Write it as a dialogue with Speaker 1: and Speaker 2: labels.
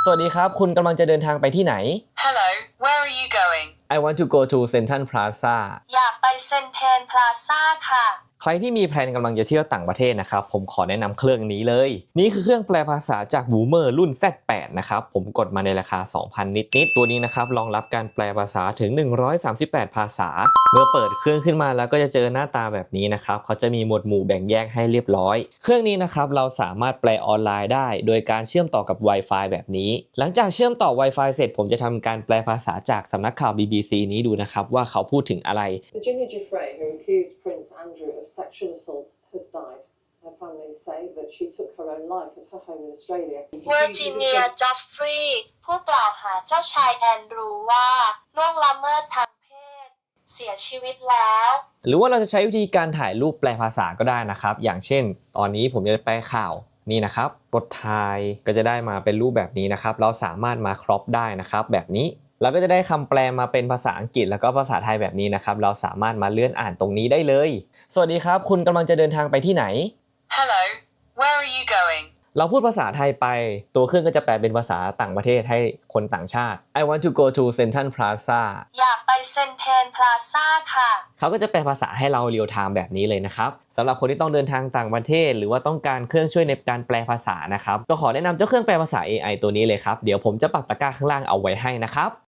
Speaker 1: สวัสดีครับคุณกำลังจะเดินทางไปที่ไหน
Speaker 2: Hello, where are you going?
Speaker 1: I want to go to Central Plaza
Speaker 2: อยากไปเซ็นทรัลพลาซ่าค่ะ
Speaker 1: ใครที่มีแพลนกำลังจะเที่ยวต่างประเทศนะครับผมขอแนะนำเครื่องนี้เลยนี่คือเครื่องแปลภาษาจาก Boomer รุ่น Z8 นะครับผมกดมาในราคา 2,000 นิดๆตัวนี้นะครับรองรับการแปลภาษาถึง138ภาษาเมื่อเปิดเครื่องขึ้นมาแล้วก็จะเจอหน้าตาแบบนี้นะครับเขาจะมีหมวดหมู่แบ่งแยกให้เรียบร้อยเครื่องนี้นะครับเราสามารถแปลออนไลน์ได้โดยการเชื่อมต่อกับ Wi-Fi แบบนี้หลังจากเชื่อมต่อ Wi-Fi เสร็จผมจะทำการแปลภาษาจากสำนักข่าว BBC นี้ดูนะครับว่าเขาพูดถึงอะไร
Speaker 3: Virginia Giuffre, who accused Prince Andrew of sexual assault, has died. Her family say that she took her own life at her home in Australia.
Speaker 2: เวอร์จิเนีย จอฟฟรีย์ผู้กล่าวหาเจ้าชายแอนดรูว่าล่วงละเมิดทางเพศเสียชีวิตแล้ว
Speaker 1: หรือว่าเราจะใช้วิธีการถ่ายรูปแปลภาษาก็ได้นะครับอย่างเช่นตอนนี้ผมจะแปลข่าวนี่นะครับกดถ่ายก็จะได้มาเป็นรูปแบบนี้นะครับเราสามารถมาครอปได้นะครับแบบนี้เราก็จะได้คำแปลมาเป็นภาษาอังกฤษแล้วก็ภาษาไทยแบบนี้นะครับเราสามารถมาเลื่อนอ่านตรงนี้ได้เลยสวัสดีครับคุณกำลังจะเดินทางไปที่ไหน
Speaker 2: Hello, where are you going?
Speaker 1: เราพูดภาษาไทยไปตัวเครื่องก็จะแปลเป็นภาษาต่างประเทศให้คนต่างชาติ I want to go to Central Plaza
Speaker 2: อยากไปเซ็นทรัลพลาซ่าค่ะ
Speaker 1: เขาก็จะแปลภาษาให้เราเรียลไทม์แบบนี้เลยนะครับสำหรับคนที่ต้องเดินทางต่างประเทศหรือว่าต้องการเครื่องช่วยในการแปลภาษานะครับก็ขอแนะนำเจ้าเครื่องแปลภาษา AI ตัวนี้เลยครับเดี๋ยวผมจะปักตะกร้าข้างล่างเอาไว้ให้นะครับ